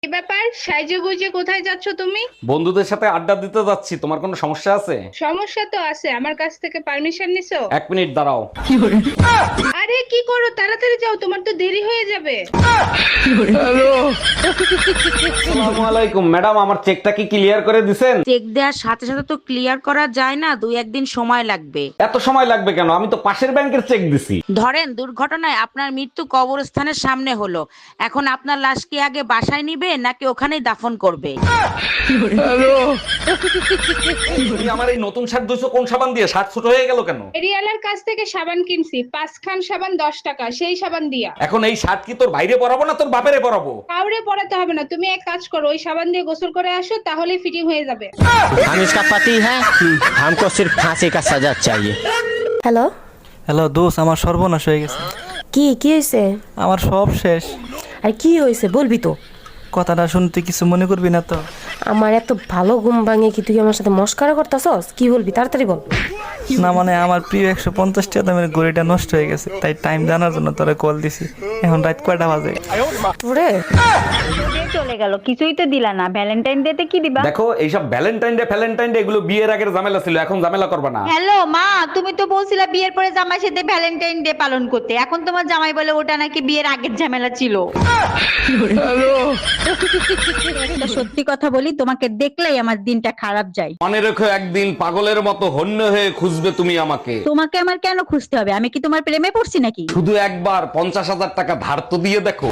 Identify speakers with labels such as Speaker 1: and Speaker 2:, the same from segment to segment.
Speaker 1: কি ব্যাপার, সাইজে গুজে কোথায় যাচ্ছ তুমি?
Speaker 2: বন্ধুদের সাথে আড্ডা দিতে যাচ্ছি। তোমার কোনো সমস্যা আছে?
Speaker 1: সমস্যা তো আছে, আমার কাছ থেকে পারমিশন নিছো?
Speaker 2: 1 মিনিট দাঁড়াও।
Speaker 1: আরে কি করো, তাড়াতাড়ি যাও, তোমার তো দেরি হয়ে যাবে।
Speaker 2: আসসালামু আলাইকুম ম্যাডাম, আমার চেকটা কি ক্লিয়ার করে দিছেন?
Speaker 3: চেক দেওয়ার সাথে সাথে তো ক্লিয়ার করা যায় না, 2-1 দিন সময় লাগবে।
Speaker 2: এত সময় লাগবে কেন? আমি তো পাশের ব্যাংকের চেক দিছি।
Speaker 3: ধরেন দুর্ঘটনায় আপনার মৃত্যু কবরস্থানের সামনে হলো, এখন আপনার লাশ কি আগে বাসায় নিবে নাকি ওখানেই দাফন করবে?
Speaker 2: তুমি আমার এই নতুন শার্ট ধুইছো কোন সাবান দিয়ে? শার্ট ছোট হয়ে গেল কেন?
Speaker 1: এরিয়ালার কাছ থেকে সাবান কিনছি, 5 খান সাবান 10 টাকা, সেই সাবান দিয়া।
Speaker 2: এখন এই শার্ট কি তোর বাইরে পরাবো না তোর বাপেরে পরাবো?
Speaker 1: কাউরে পড়াতে হবে না, তুমি এক কাজ করো, ওই সাবান দিয়ে গোসল করে আসো, তাহলেই ফিটিং হয়ে যাবে।
Speaker 4: हम इसका पति है हमको सिर्फ फांसी का सजा चाहिए।
Speaker 5: হ্যালো,
Speaker 6: হ্যালো দোষ, আমার সর্বনাশ হয়ে গেছে।
Speaker 5: কি হয়েছে?
Speaker 6: আমার সব শেষ।
Speaker 5: আর কি হয়েছে বলবি তো?
Speaker 6: কথাটা শুনতে কিছু মনে করবি না তো?
Speaker 5: আমার এত ভালো ঘুম ভাঙে কি তুই আমার সাথে মস্কারা করতাছস? কি বলবি তাড়াতাড়ি বল।
Speaker 6: না মানে আমার প্রিয় 150 টাকা দামের ঘড়িটা নষ্ট হয়ে গেছে, তাই টাইম জানার জন্য তোরা কল দিছি। এখন রাত কয়টা বাজে?
Speaker 5: তোরে
Speaker 7: চলে গেল, কিছুই তো দিলা না। ভ্যালেন্টাইন ডে তে কি দিবা?
Speaker 2: দেখো এইসব ভ্যালেন্টাইন ডে এগুলো বিয়ের আগের ঝামেলা ছিল, এখন ঝামেলা করবে না।
Speaker 7: হ্যালো মা, তুমি তো বলছিলা বিয়ের পরে জামাইয়ের সাথে ভ্যালেন্টাইন ডে পালন করতে, এখন তোমার জামাই বলে ওটা নাকি বিয়ের আগের ঝামেলা ছিল। একটা সত্যি কথা বলি, তোমাকে দেখলেই আমার দিনটা খারাপ যায়।
Speaker 2: মনে রেখো, একদিন পাগলের মতো হন্য হয়ে খুঁজবে তুমি আমাকে।
Speaker 7: তোমাকে আমার কেন খুঁজতে হবে? আমি কি তোমার প্রেমে পড়ছি নাকি?
Speaker 2: শুধু একবার 50,000 টাকা ধার তো দিয়ে দেখো।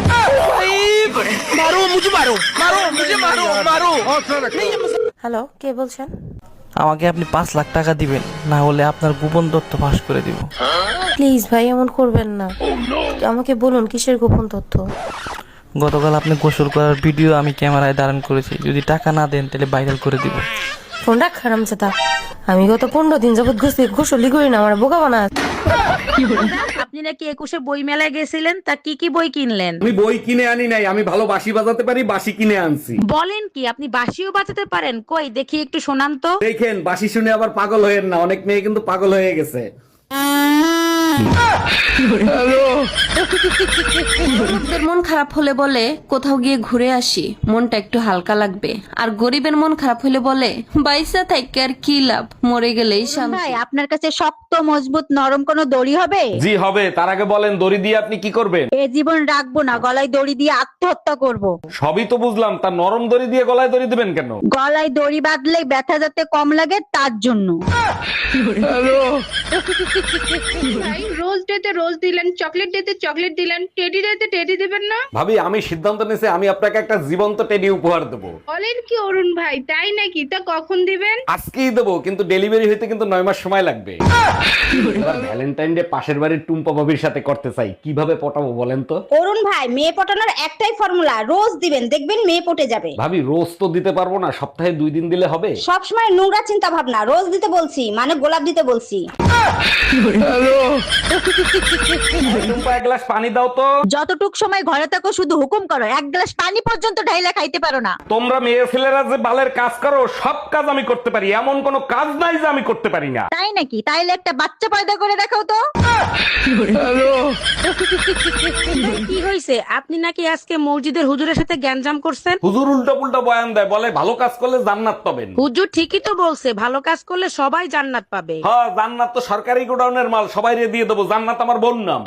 Speaker 5: হ্যালো, কে বলছেন?
Speaker 6: আমাকে আপনি 5 লাখ টাকা দিবেন, না হলে আপনার গোপন তথ্য ফাঁস করে দিব।
Speaker 5: প্লিজ ভাই, এমন করবেন না। আমাকে বলুন কিসের গোপন তথ্য?
Speaker 6: গতকাল আপনি গোসল করার ভিডিও আমি ক্যামেরায় ধারণ করেছি, যদি টাকা না দেন তাহলে ভাইরাল করে দিব।
Speaker 5: ফোন রাখ হারামজাদা। আমি গত 15 দিন যাবত গোসলই করি না, আমার বোকা বানা।
Speaker 3: আপনি নাকি 21-এ বই মেলায় গেছিলেন, তা কি কি বই কিনলেন?
Speaker 2: আমি বই কিনে আনি নাই, আমি ভালো বাঁশি বাজাতে পারি, বাঁশি কিনে আনছি।
Speaker 3: বলেন কি, আপনি বাঁশিও বাজাতে পারেন? কই দেখি একটু শোনান তো।
Speaker 2: দেখেন, বাঁশি শুনে আবার পাগল হয়েন না, অনেক মেয়ে কিন্তু পাগল হয়ে গেছে।
Speaker 8: গরিবদের মন খারাপ হলে বলে কোথাও গিয়ে ঘুরে আসি, মনটা একটু হালকা লাগবে। আর গরিবের মন খারাপ হলে বলে বাইসা থাইকে আর কি লাভ, মরে গেলেই শান্তি।
Speaker 7: ভাই, আপনার কাছে শক্ত মজবুত নরম কোনো দড়ি হবে?
Speaker 2: জি হবে, তার আগে বলেন দড়ি দিয়ে আপনি কি করবেন?
Speaker 7: এ জীবন রাখবো না, গলায় দড়ি দিয়ে আত্মহত্যা করব।
Speaker 2: সবই তো বুঝলাম, তা নরম দড়ি দিয়ে গলায় দড়ি দিবেন কেন?
Speaker 7: গলায় দড়ি বাঁধলে ব্যথা যাতে কম লাগে তার জন্য।
Speaker 1: ভাই, রোজ ডেতে রোজ দিলেন, চকলেট ডেতে চকলেট দিলেন, টেডি ডেতে টেডি দিবেন না?
Speaker 2: ভাবি, আমি সিদ্ধান্ত নিয়েছি, আমি আপনাকে একটা জীবন্ত টেডি উপহার দেবো।
Speaker 1: বলেন কি অরুণ ভাই, তাই নাকি? তা কখন দিবেন?
Speaker 2: আজকেই দেবো, কিন্তু ডেলিভারি হইতে কিন্তু 9 মাস সময় লাগবে। এবার ভ্যালেন্টাইন ডে পাশের বাড়ির টুম্পা ভাবির সাথে করতে চাই, কিভাবে পটাবো বলেন তো?
Speaker 7: অরুণ ভাই, মেয়ে পটানোর একটাই ফর্মুলা, রোজ দিবেন, দেখবেন মেয়ে পটে যাবে।
Speaker 2: ভাবি, রোজ তো দিতে পারবো না, সপ্তাহে 2 দিন দিলে হবে?
Speaker 7: সবসময় নোংরা চিন্তা ভাবনা, রোজ দিতে বলছি মানে গোলাপ দিতে বলছি।
Speaker 2: টুম্পা, 1 গ্লাস পানি দাও তো।
Speaker 7: যতটুক সময় ঘরে থাকো শুধু হুকুম করো, 1 গ্লাস পানি পর্যন্ত ঢাইলা খাইতে পারো না।
Speaker 2: তোমরা মেয়ে ছেলেরা যে বালের কাজ করো, সব কাজ আমি করতে পারি, এমন কোনো কাজ নাই যে আমি করতে পারি না।
Speaker 7: তাই নাকি? তাইলে একটা বাচ্চা পয়দা করে দেখাও তো।
Speaker 3: কি হয়েছে? আপনি নাকি আজকে মসজিদের হুজুরের সাথে গ্যাঞ্জাম করছেন?
Speaker 2: হুজুর উল্টা পুল্টা বয়ান দেয়, বলে ভালো কাজ করলে জান্নাত পাবেন।
Speaker 3: হুজুর ঠিকই তো বলছে, ভালো কাজ করলে সবাই জান্নাত পাবে।
Speaker 2: হ্যাঁ, জান্নাত তো সরকারি গোডাউনের মাল, সবাই দিয়ে দেবো, জান্নাত আমার বোন নাম।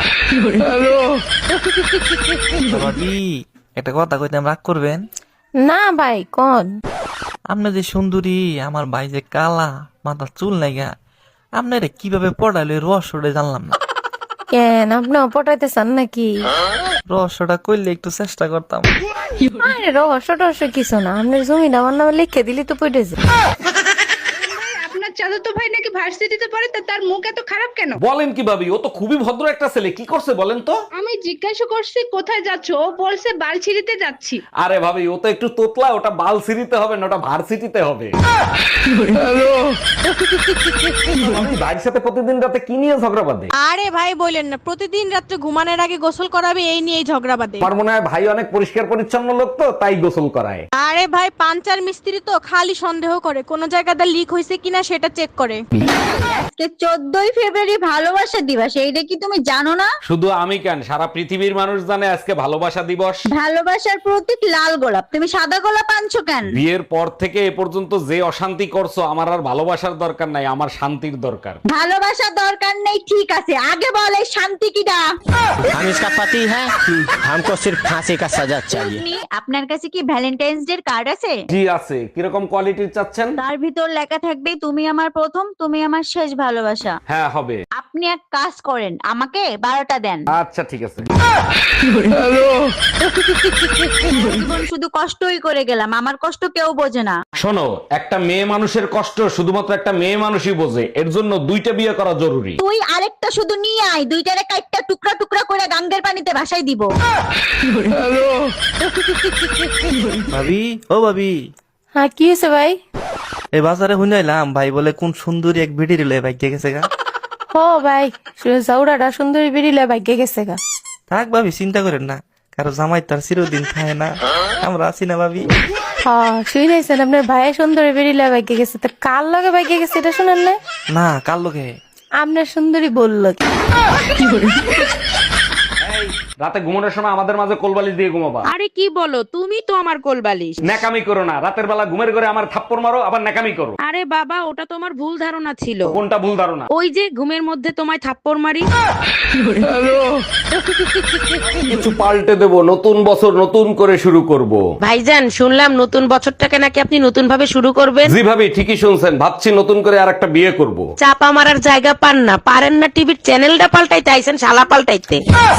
Speaker 6: ভাবি, একটা কথা কইতাম, রাগ করবেন?
Speaker 5: না ভাই, কোন?
Speaker 6: আপনি যে সুন্দরী, আমার ভাই যে কালা, মাথার চুল নাইগা, আপনারা কিভাবে পড়াইলে রহস্যটা জানলাম না।
Speaker 5: কেন, আপনি পটাইতে চান নাকি?
Speaker 6: রহস্যটা করলে একটু চেষ্টা করতাম।
Speaker 5: আরে রহস্য কিছু না, আপনার জমিটা আমার নামে লিখে দিলি তো পড়েছে।
Speaker 1: আপনার চাচাতো ভাই নাকি ভার্সিটিতে পড়ে, তা তার মুখ এত খারাপ কেন?
Speaker 2: বলেন কি ভাবি, ও তো খুবই ভদ্র একটা ছেলে, কি করছে বলেন তো?
Speaker 1: আমি জিজ্ঞাসা করছি কোথায় যাচ্ছ, ও বলছে বালছিড়িতে যাচ্ছি।
Speaker 2: আরে ভাবি, ও তো একটু তোতলা, ওটা বাল সিরিতে হবে না, ওটা ভার্সিটিতে হবে। আমি ভাইয়ের সাথে প্রতিদিন রাতে কি নিয়ে ঝগড়া বাঁধে?
Speaker 9: আরে ভাই বলেন না, প্রতিদিন রাত্রে ঘুমানোর আগে গোসল করাবে, এই নিয়েই ঝগড়া বাঁধে।
Speaker 2: আমার মনে হয় ভাই অনেক পরিষ্কার পরিচ্ছন্ন লোক, তো তাই গোসল করায়।
Speaker 9: আরে ভাই, পাঞ্চার মিস্ত্রি তো খালি সন্দেহ করে কোন জায়গাটা লিক হয়েছে কিনা সেটা চেক করে।
Speaker 7: আজকে আজকে 14ই ফেব্রুয়ারি ভালোবাসা দিবস, এইটা কি তুমি জানো না?
Speaker 2: শুধু আমি কেন, সারা পৃথিবীর মানুষ জানে আজকে ভালোবাসা দিবস।
Speaker 7: ভালোবাসার প্রতীক লাল গোলাপ, তুমি সাদা গোলাপ আনছো কেন?
Speaker 2: বিয়ের পর থেকে এ পর্যন্ত যে অশান্তি করছো, আমার আর ভালোবাসার দরকার নাই, আমার শান্তির দরকার।
Speaker 7: ভালোবাসা দরকার নেই ঠিক আছে, আগে বল এই শান্তি কিটা?
Speaker 4: हम इसका पति है हमको सिर्फ फांसी का सजा चाहिए।
Speaker 7: আপনার কাছে কি ভ্যালেন্টাইন্স ডে কার্ড আছে?
Speaker 2: জি আছে। কিরকম কোয়ালিটির চাচ্ছেন?
Speaker 7: তার ভিতর লেখা থাকবে তুমি আমার প্রথম, তুমি আমার শেষ ভালোবাসা।
Speaker 2: হ্যাঁ হবে।
Speaker 7: আপনি এক কাজ করেন, আমাকে 12টা দেন।
Speaker 2: আচ্ছা ঠিক আছে।
Speaker 7: জীবন শুধু কষ্টই করে গেলাম, আমার কষ্ট কেউ বোঝে না।
Speaker 2: শোনো, একটা মেয়ে মানুষের কষ্ট শুধুমাত্র একটা মেয়ে মানুষই বোঝে, এর জন্য 2টা বিয়ে করা জরুরি।
Speaker 7: তুই আরেকটা শুধু নিয়ে আয়, দুইটারে কাইটটা টুকরা টুকরা করে গাঙ্গের পানিতে ভাসাই দিব।
Speaker 6: ভাবি, ও ভাবি,
Speaker 5: হ্যাঁ কি হয়েছে ভাই?
Speaker 6: এই বাজারে শুনাইলাম ভাই বলে কোন সুন্দরী এক ভিডি রিলে ভাগ্যে গেছে গা।
Speaker 5: ও ভাই, জাউরাটা সুন্দরী বেরিলে ভাগ্যে গেছে গা।
Speaker 6: থাক ভাবি, চিন্তা করেন না, কারো জামাই তার চিরদিন খায় না, আমরা আছি না ভাবি।
Speaker 5: হ্যাঁ শুনেছেন আপনার ভাই সুন্দরী বেরিলে ভাগ্যে গেছে, তো কার লগে ভাগ্যে গেছে এটা শুনেন না?
Speaker 6: না, কার লোকে?
Speaker 5: আপনার সুন্দরী বললো কি?
Speaker 2: রাতে ঘুমানোর সময় আমাদের মাঝে কোলবালিশ দিয়ে ঘুমাবা।
Speaker 3: আরে কি বলো, তুমি তো আমার কোলবালিশ।
Speaker 2: ন্যাকামি করো না, রাতের বেলা ঘুমের ঘরে আমার থাপ্পড় মারো আবার ন্যাকামি করো।
Speaker 3: আরে বাবা, ওটা তোমার ভুল ধারণা ছিল।
Speaker 2: কোনটা ভুল ধারণা?
Speaker 3: ওই যে ঘুমের মধ্যে তোমায় থাপ্পড় মারি।
Speaker 2: কিছু পাল্টে দেব, নতুন বছর নতুন করে শুরু করব।
Speaker 3: ভাইজান, শুনলাম নতুন বছরটাকে নাকি আপনি নতুন ভাবে শুরু করবেন।
Speaker 2: জি ভাবি, ঠিকই শুনছেন, ভাবছি নতুন করে আর একটা বিয়ে করব।
Speaker 3: চাপা মারার জায়গা পান না, পারেন না টিভির চ্যানেলটা পাল্টাইতে, আইছেন শালা পাল্টাইতে।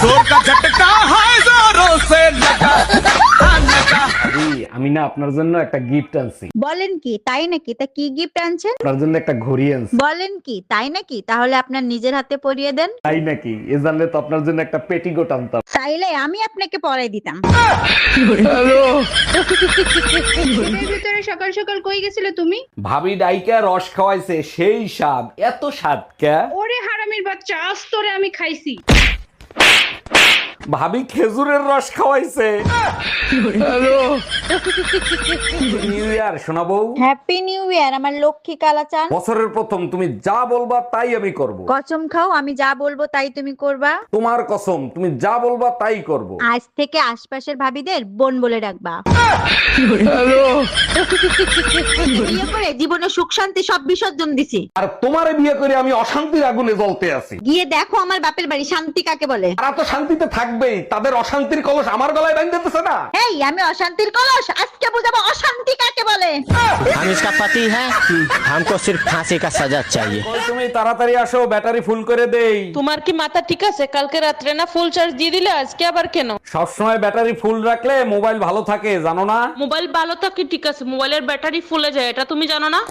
Speaker 2: ভাবি, আমি না আপনার জন্য একটা গিফট আনছি।
Speaker 7: বলেন কি, তাই নাকি? তা কি গিফট আনছেন?
Speaker 2: আপনার জন্য একটা ঘড়ি আনছি।
Speaker 7: বলেন কি, তাই নাকি? তাহলে আপনার নিজের হাতে পরিয়ে দেন।
Speaker 2: তাই নাকি? এ জানলে তো আপনার জন্য একটা পেটিকোট আনতাম।
Speaker 7: চাইলে আমি আপনাকে পরাই দিতাম।
Speaker 1: এর ভিতরে সকাল সকাল কই গেছিলে তুমি?
Speaker 2: ভাবি ডাইকা রস খাওয়াইছে, সেই স্বাদ। এত স্বাদ কে?
Speaker 1: ওরে হারামির বাচ্চা, আজ তোরে আমি খাইছি।
Speaker 2: ভাবি খেজুরের রস খাওয়াইছে। নিউ ইয়ার শোনাবো।
Speaker 7: হ্যাপি নিউ ইয়ার আমার লক্ষ্মী কালাচান।
Speaker 2: বছরের প্রথম, তুমি যা বলবা তাই আমি করব।
Speaker 7: কসম খাও, আমি যা বলবো তাই তুমি করবা।
Speaker 2: তোমার কসম, তুমি যা বলবা তাই করব।
Speaker 7: আজ থেকে আশপাশের ভাবিদের বোন বলে ডাকবা। বিয়ে করে জীবনে সুখ শান্তি সব বিসর্জন দিছি।
Speaker 2: আর তোমারে বিয়ে করে আমি অশান্তির আগুনে জ্বলতে আছি।
Speaker 7: গিয়ে দেখো আমার বাপের বাড়ি শান্তি কাকে বলে।
Speaker 2: তারা তো শান্তিতে থাকবেই, তাদের অশান্তির কলস আমার গলায় বাঁধতেছে না।
Speaker 7: এই আমি অশান্তির কলস, আজকে বুঝাবো অশান্তি কাকে বলে।
Speaker 4: हम इसका पति है हमको सिर्फ फांसी का सजा चाहिए।
Speaker 2: কই তুমি, তাড়াতাড়ি আসো, ব্যাটারি ফুল করে দেই।
Speaker 9: তোমার কি মাথা ঠিক আছে? কালকে রাত্রে না ফুল চার্জ দিয়ে দিলে, আজকে আবার কেন?
Speaker 2: সবসময় ব্যাটারি ফুল রাখলে মোবাইল ভালো থাকে, জানো না?
Speaker 9: মোবাইল ভালো থাকে ঠিক আছে, মোবাইলের ব্যাটারি ফুলে যায়, এটা তুমি জানো না?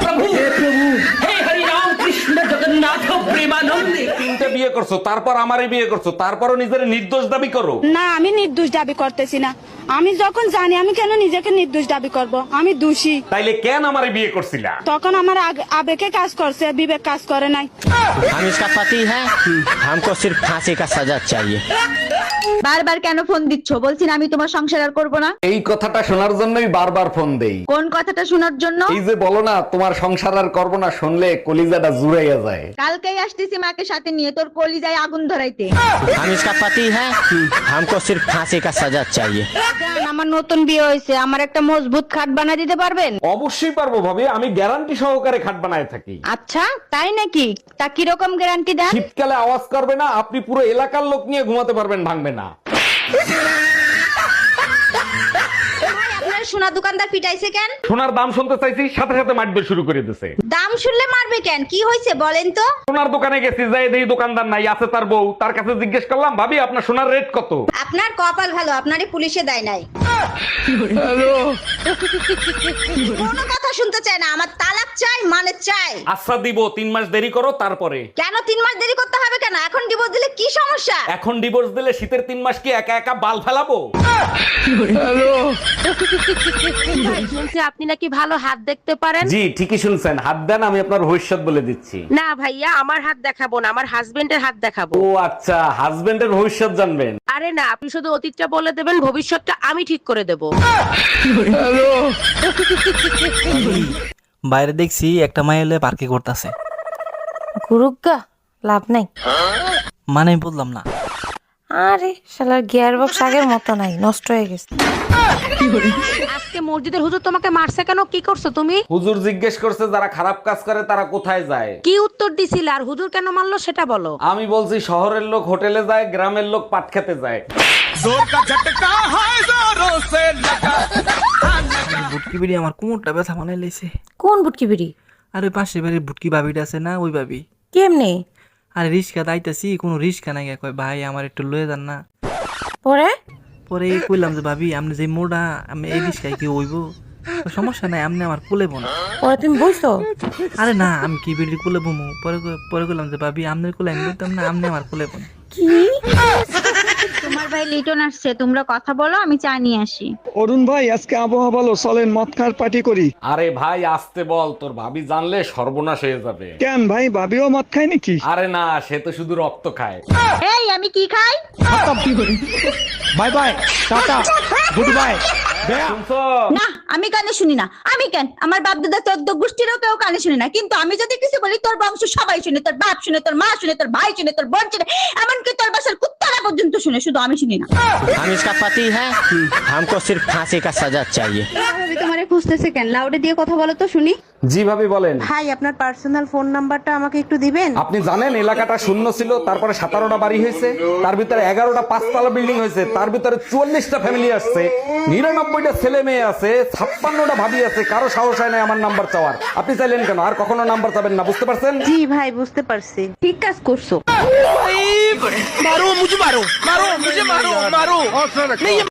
Speaker 2: তিনটে বিয়ে করছো, তারপর আমারে বিয়ে করছো, তারপরও নিজের নির্দোষ দাবি করো।
Speaker 10: না, আমি নির্দোষ দাবি করতেছি না। আমি যখন জানি, আমি কেন নিজেকে নির্দোষ দাবি করব? আমি দোষী।
Speaker 2: তাইলে কেন আমারে বিয়ে করছিলা?
Speaker 10: তখন আমার আবেগে কাজ করছে, বিবেক কাজ করে নাই।
Speaker 4: हम इसका पति है हमको सिर्फ फांसी का सजा चाहिए।
Speaker 7: বারবার কেন ফোন দিচ্ছ? বলছি না আমি তোমার সংসার আর করবো না।
Speaker 2: এই কথাটা শোনার জন্যই বারবার ফোন দেই।
Speaker 7: কোন কথাটা শোনার জন্য?
Speaker 2: এই যে বলো না তোমার সংসার আর করবো না, শুনলে কলিজাটা জুড়াইয়া যায়।
Speaker 7: কালকেই আসতেছি মাকে সাথে নিয়ে, তোর কলিজায় আগুন ধরাইতে।
Speaker 4: हम इसका पति है हमको सिर्फ फांसी का सजा चाहिए।
Speaker 10: আমার নতুন বিয়ে হয়েছে, আমার একটা মজবুত খাট বানিয়ে দিতে পারবেন?
Speaker 2: অবশ্যই পারবো ভাবি, আমি গ্যারান্টি সহকারে খাট বানায় থাকি।
Speaker 10: আচ্ছা, তাই নাকি? তা কিরকম গ্যারান্টি দেন?
Speaker 2: শীতকালে আওয়াজ করবে না, আপনি পুরো এলাকার লোক নিয়ে ঘুমাতে পারবেন, ভাঙবে না।
Speaker 7: আপনার সোনা দোকানদার পিটাইছে কেন?
Speaker 2: সোনার দাম শুনতে চাইছি, সাথে সাথে মারবে শুরু করে দিছে।
Speaker 7: দাম শুনলে মারবে কেন? কি হয়েছে বলেন তো?
Speaker 2: সোনার দোকানে গেছি, যাই দেখি দোকানদার নাই, আছে তার বউ। তার কাছে জিজ্ঞেস করলাম, ভাবি আপনার সোনার রেট কত?
Speaker 7: আপনার কপাল ভালো, আপনারই পুলিশে দেয় নাই। কোনো কথা শুনতে চায় না, আমার তালাক চাই, মানে চাই।
Speaker 2: আচ্ছা দিব, 3 মাস দেরি করো তারপরে।
Speaker 7: কেন 3 মাস দেরি করতে হবে কেন? এখন ডিভোর্স দিলে কি সমস্যা?
Speaker 2: এখন ডিভোর্স দিলে শীতের 3 মাস কি একা একা বাল ফেলাবো?
Speaker 3: শুনছি আপনি নাকি ভালো হাত দেখতে পারেন।
Speaker 2: জি ঠিকই শুনছেন, হাত দেন, আমি আপনার ভবিষ্যৎ বলে দিচ্ছি।
Speaker 3: না ভাইয়া, আমার হাত দেখাবো না, আমার হাজবেন্ডের হাত দেখাবো।
Speaker 2: ও আচ্ছা, হাজবেন্ডের ভবিষ্যৎ জানবেন?
Speaker 3: আরে না, আপনি শুধু অতীতটা বলে দেবেন, ভবিষ্যৎটা আমি ঠিক করে দেব।
Speaker 6: বাইরে দেখছি একটা মাইলে পার্কে করতেছে,
Speaker 5: গুরুগা লাভ নাই।
Speaker 6: মানে বললাম না।
Speaker 5: আরে শালার গিয়ার বক্স আগের মতো নাই, নষ্ট হয়ে গেছে।
Speaker 3: আজকে মসজিদের হুজুর তোমাকে মারছে কেন? কি করছো তুমি?
Speaker 2: হুজুর জিজ্ঞেস করছে যারা খারাপ কাজ করে তারা কোথায় যায়।
Speaker 3: কি উত্তর দিছিলে? আর হুজুর কেন মারলো সেটা বলো।
Speaker 2: আমি বলছি শহরের লোক হোটেলে যায়, গ্রামের লোক পাট খেতে যায়।
Speaker 6: বুটকি বিড়ি আমার কোমরটা ব্যথা বানাই লাইছে।
Speaker 5: কোন বুটকি বিড়ি?
Speaker 6: আর ওই পাশে বাড়ির বুটকি ভাবিটা আছে না, ওই ভাবি।
Speaker 5: কেমনে?
Speaker 6: আরে রিক্সা দাইতাছি, কোনো রিক্সা নাই, কয় ভাই আমার একটু লয়ে যান না।
Speaker 5: পরে
Speaker 6: পরে কইলাম যে ভাবি আপনি যে মোড়া, আমি এই রিক্সায় কি হইব? সমস্যা নাই, আপনি আমার কোলে বোন।
Speaker 5: পরে তুমি বইছো?
Speaker 6: আরে না, আমি কি বিড়ির কোলে বমু? পরে কইলাম যে ভাবি আপনার কোলে আমি বলতাম না, আপনি আমার কোলে বোন।
Speaker 5: কি?
Speaker 7: তোমার ভাই লিটন আসছে, তোমরা কথা বলো, আমি চা নিয়ে আসি।
Speaker 11: অরুণ ভাই আজকে আবহাওয়া ভালো, চলেন মদ খাওয়ার পার্টি করি।
Speaker 2: আরে ভাই আসতে বল, তোর ভাবি জানলে সর্বনাশ হয়ে যাবে।
Speaker 11: কেন ভাই, ভাবিও মদ খায় নাকি?
Speaker 2: আরে না, সে তো শুধু রক্ত খায়।
Speaker 7: এই আমি কি খাই?
Speaker 11: Bye bye, ta-ta, good bye.
Speaker 2: শুনছো?
Speaker 7: না আমি কানে শুনি না। আমি কেন, আমার বাপ দাদা 14 গোষ্ঠীরও কেউ কানে শুনে না, কিন্তু আমি যদি কিছু বলি তোর বংশ সবাই শুনে, তোর বাপ শুনে, তোর মা শুনে, তোর ভাই শুনে, তোর বোন শুনে, এমনকি তোর বাসার কুত্তারা পর্যন্ত শুনে, শুধু আমি শুনি না।
Speaker 4: हम इसका पति है, हमको सिर्फ फांसी का सजा चाहिए।
Speaker 10: ভাবি তোমারে খুঁজতেছে কেন? লাউডে দিয়ে কথা বলো তো শুনি।
Speaker 2: জি ভাবি বলেন।
Speaker 9: ভাই আপনার পার্সোনাল ফোন নাম্বারটা আমাকে একটু দিবেন?
Speaker 2: আপনি জানেন এলাকাটা শূন্য ছিল, তারপরে 17টা বাড়ি হয়েছে, তার ভিতরে 11টা 5তলা বিল্ডিং হয়েছে, তার ভিতরে 44টা ফ্যামিলি আসছে, 99টা ছেলে মেয়ে আছে, 56টা ভাবি আছে, কারো সাহস হয় না আমার নাম্বার চাওয়ার। আপনি চাইলেন কেন? আর কখনো নাম্বার চাবেন না, বুঝতে পারছেন?
Speaker 9: জি ভাই বুঝতে পারছি।
Speaker 10: ঠিক কাজ করছো।
Speaker 6: मारो मुझे, मारो मुझे, मारो नहीं ये